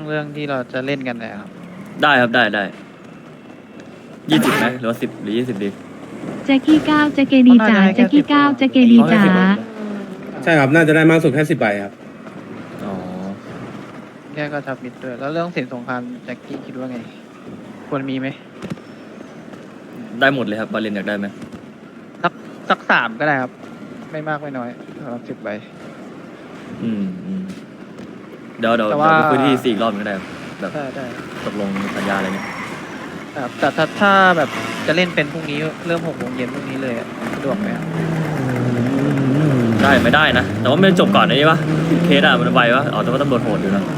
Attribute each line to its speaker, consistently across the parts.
Speaker 1: รื่องที่เราจะเล่นกันนะครับ
Speaker 2: ได้ครับได้20ไหมหรือว่า10หรือ20ดี
Speaker 3: แจ็คกี้ก้าวแจ็คเกดีจ๋าแจ็คกี้ก้าวแจ็คเกดีจ๋า
Speaker 4: ใช่ครับน่าจะได้มากสุดแค่10 ใบครับ
Speaker 2: อ๋อ
Speaker 1: แค่ก็ทับมิดด้วยแล้วเรื่องสินสงครามแจ็คกี้คิดว่าไง ควรมีไหม
Speaker 2: ได้หมดเลยครับบาเลนอยากได้ไหม
Speaker 1: สัก3ก็ได้ครับ ไม่มากไม่น้อยสำหรับ10 ใบ
Speaker 2: อืมเดี๋ยว
Speaker 1: แต่ว่า
Speaker 2: ไปคุยที่4อีกรอบหนึงก็ได้ครับแบบ
Speaker 1: ได้
Speaker 2: ตกลงสัญญาอะไรเงี้ย
Speaker 1: ครับแต่ถ้าแบบจะเล่นเป็นพรุ่งนี้เริ่ม6 โมงเย็นพรุ่งนี้เลยอะสะดวกไหมครับ
Speaker 2: ได้ไม่ได้นะ แต่ว่ามันจบก่อนไอ้นี่ปะเคสอะมันไวปะอ๋อแต่ว่าตำรวจโหดอยู่นะ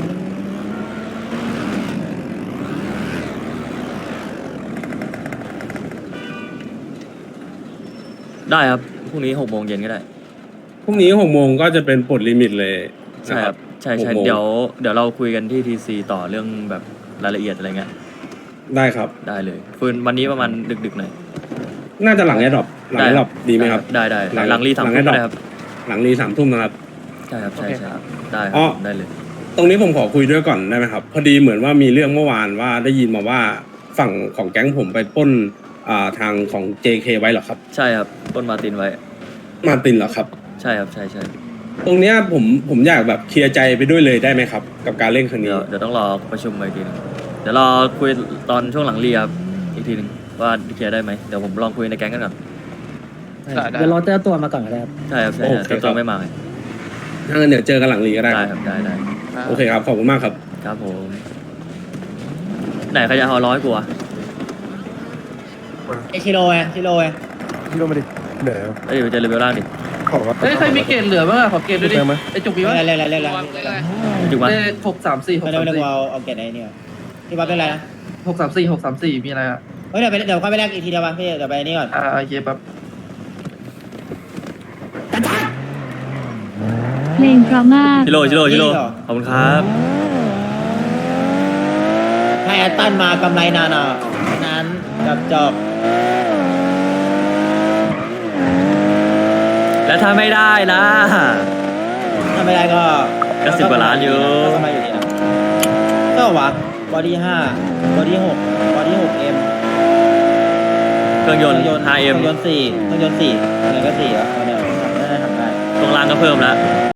Speaker 2: ได้ครับพรุ่งนี้6 โมงเย็นก็ได้
Speaker 4: พรุ่งนี้6 โมงก็จะเป็นปลดลิมิตเลย
Speaker 2: ใช่
Speaker 4: นะ
Speaker 2: ครับใช่
Speaker 4: 6 โมง
Speaker 2: เดี๋ยวเราคุยกันที่ทีซีต่อเรื่องแบบรายละเอียดอะไรเงี้ย
Speaker 4: ได้ครับ
Speaker 2: ได้เลยคุยวันนี้ประมาณดึกๆหน่อย
Speaker 4: น่าจะหลังแอดดรอปหลังแอดดรอปดีไหมครับ
Speaker 2: ได้หลังรี3 ทุ่ม
Speaker 4: หลัง
Speaker 2: ได้ครับ
Speaker 4: หลังรี3 ทุ่มนะครับ
Speaker 2: ใช่ครับ
Speaker 1: โอเคครับ
Speaker 2: ได้ค
Speaker 4: อ๋
Speaker 2: รั
Speaker 4: อ
Speaker 2: บได้เลย
Speaker 4: ตรงนี้ผมขอคุยด้วยก่อนได้ไหมครับ พอดีเหมือนว่ามีเรื่องเมื่อวานว่าได้ยินมาว่าฝั่งของแก๊งผมไปปล้นทางของ JK ไว้เหรอครับ
Speaker 2: ใช่ครับต้นมาร์ตินไว้
Speaker 4: มาร์ตินเหรอครับ
Speaker 2: ใช่ครับใช่
Speaker 4: ตรงเนี้ยผมอยากแบบเคลียร์ใจไปด้วยเลยได้ไหมครับ กับการเล่นครั้งนี้
Speaker 2: เดี๋ยวต้องรอประชุมอีกทีนึงเดี๋ยวรอคุยตอนช่วงหลังเรียบอีกทีนึงว่าเคลียร์ได้ไหมเดี๋ยวผมลองคุยในแก๊งกันก่อน
Speaker 1: ได้
Speaker 5: เดี๋ยวรอเจ้าตัวมาก่อนก็ได้ครับ
Speaker 2: ใช่ครับแต่ตัวไม่มาไง
Speaker 4: ถ้างั้นเดี๋ยวเจอกันหลังรีก็ได้
Speaker 2: ได้
Speaker 4: ค
Speaker 2: ครับ รับได้
Speaker 4: โอเคครับขอบคุณมากครับ
Speaker 2: ครับผมไหนใครจะเอา100กูอะ
Speaker 5: ไอชิโร่ไง
Speaker 6: พี่ลงมาดิเหนื่อย
Speaker 2: เอ้ยไปเจอเลเวลล่างดิ
Speaker 6: ขอ
Speaker 7: เฮ้ยใครมีเกรดเหลือบ้างอะขอเกรดด้วยดิ
Speaker 6: ไหม
Speaker 7: ไอจุกมี
Speaker 5: เล่
Speaker 7: วะ
Speaker 5: นอะไร
Speaker 2: จุกมา
Speaker 7: เลข634
Speaker 5: ไม่ได้ไม่ได้กูเอาเกตไอ้นี่ก่อนพี่บ๊อบเป็นไรนะ
Speaker 7: 634มีอะไรอะ
Speaker 5: เฮ้ยเดี๋ยวค่อยไปแลกอีกทีเดียวป่ะพี่เดี๋ยวไปนี่ก่อน
Speaker 7: โอเคปั๊บ
Speaker 3: เพลงเพราะมาก
Speaker 2: ชิโร่ขอบคุณครับ
Speaker 5: ให้แอตตันมากำไรนานอ่ะนั้นจบ
Speaker 2: แล้วถ้าไม่ได้นะ
Speaker 5: ถ้าไม่ได้ก็
Speaker 2: ก็10 กว่าล้านอยู่
Speaker 5: ก็กำไรอยู่ดีนะก็วะบอดี้5บอดี้6บอดี้6M
Speaker 2: เครื่องยนต์ 5M
Speaker 5: เครื่องยนต์4ยังไงก็4อ่ะตอนเนี้ยทำได้
Speaker 2: ตรงล่างก็เพิ่มแล้ว